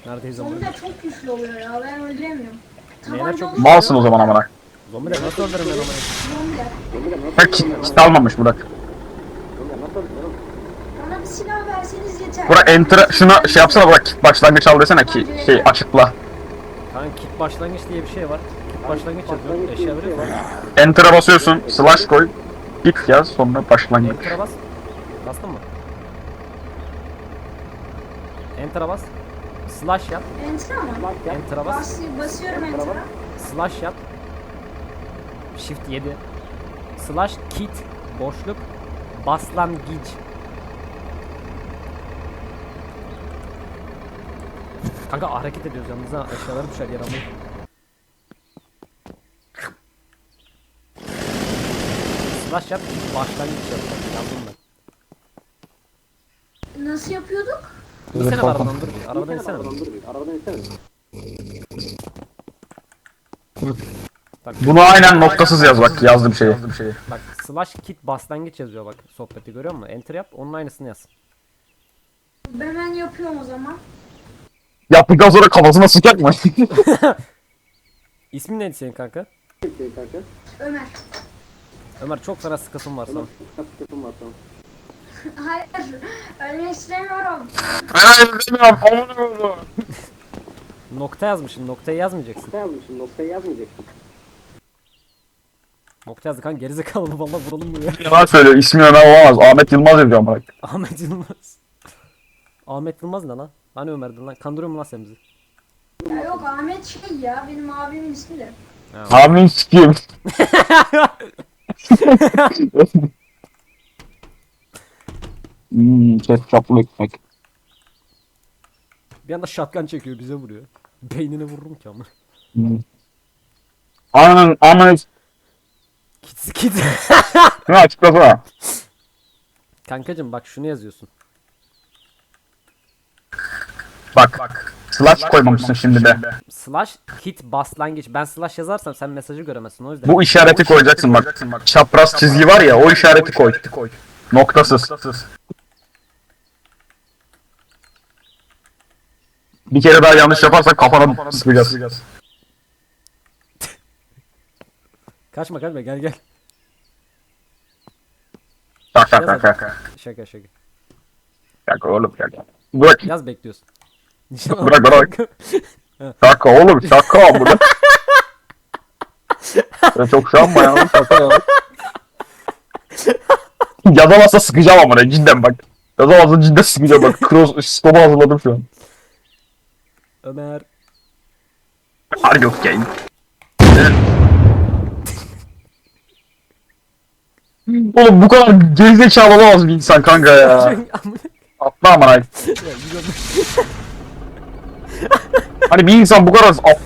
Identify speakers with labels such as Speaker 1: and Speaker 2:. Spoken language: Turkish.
Speaker 1: Neredeyiz ama?
Speaker 2: Zombiler çok güçlü oluyor ya, ben öldüremiyorum.
Speaker 1: Neyler
Speaker 2: Tabanca
Speaker 1: çok
Speaker 2: olunca
Speaker 3: Malsın o zaman amına.
Speaker 1: Zombiler nasıl öldürürüm ben onu?
Speaker 2: zombiler.
Speaker 3: Ha kit almamış Burak.
Speaker 2: Bana bir silah verseniz yeter.
Speaker 3: Burak enter şuna şey yapsana Burak, kit başlangıç al desene ki şey açıkla.
Speaker 1: Kanka kit başlangıç diye bir şey var. Kit başlangıç yazıyor. Eşya veriyor mu?
Speaker 3: Enter'a basıyorsun, slash koy, kit yaz, sonra başlangıç.
Speaker 1: Enter'a bas. Bastın mı? Enter'a bas. Slash yap.
Speaker 2: Enter ama.
Speaker 1: Enter'a bas.
Speaker 2: Basıyorum enter'a.
Speaker 1: Slash yap. Shift 7. Slash kit boşluk başlangıç. Kanka hareket ediyoruz yalnız ha. Eşyaları düşer yer almayı. Slash yap. Başlangıç yap. Yazdım ben.
Speaker 2: Nasıl yapıyorduk?
Speaker 1: İnsene arabadan dur bir. Arabadan insene. Bak,
Speaker 3: Bunu aynen noktasız yaz bak, yazdım şeyi.
Speaker 1: bak slash kit başlangıç yazıyor bak sohbeti görüyor musun? Enter yap onun aynısını yaz.
Speaker 2: Ben yapıyorum o zaman.
Speaker 3: Yaptıktan sonra kafasına sıcak mı?
Speaker 1: İsmin neydi senin kanka?
Speaker 2: Ömer.
Speaker 1: Ömer çok fena sıkasın var sana.
Speaker 2: Hayır, ölmek istemiyorum.
Speaker 3: Ben bilmiyorum, onu.
Speaker 1: Nokta yazmışsın noktayı yazmayacaksın. Nokta yazdı kanka gerizekalı mı valla vuralım buraya.
Speaker 3: Yalan söylüyor, ismi Ömer olamaz. Ahmet Yılmaz yazıyor bak.
Speaker 1: Ahmet Yılmaz. Ahmet Yılmaz ne lan? Hani Ömer'din lan? Kandırıyor mu lan sen bizi?
Speaker 2: Ya yok, Ahmet şey ya, benim abimin ismi de.
Speaker 3: Amin sikiyim. Ketçaplı ekmek.
Speaker 1: Bir anda şatkan çekiyor bize vuruyor. Beynine vururum ki ama.
Speaker 3: Aynen.
Speaker 1: Kit.
Speaker 3: Ne açıklasana.
Speaker 1: Kankacım bak şunu yazıyorsun.
Speaker 3: Bak. Slash koymamışsın şimdi de.
Speaker 1: Slash kit başlangıç. Ben slash yazarsam sen mesajı göremezsin o yüzden.
Speaker 3: Bu işareti koyacaksın bak. Çapraz çizgi var ya, o işareti koy. Noktasız. Bir kere daha yanlış yaparsan kafana sıkacağız.
Speaker 1: Kaçma gel.
Speaker 3: Şaka.
Speaker 1: Şaka.
Speaker 3: Şaka oğlum şaka. Bırak.
Speaker 1: Yaz bekliyorsun.
Speaker 3: Bırak. Şaka oğlum şaka burada. Ben çok şu an ya, şaka ya. Yazamazsa sıkacağım ama cidden bak. Yazamazsa cidden sıkacağım bak. Cross stop'u hazırladım şu an.
Speaker 1: Ömer.
Speaker 3: Are you okay? Oğlum bu kadar gerizekalı olamaz bir insan kanka ya. Atla amına. Hani bir insan bu kadar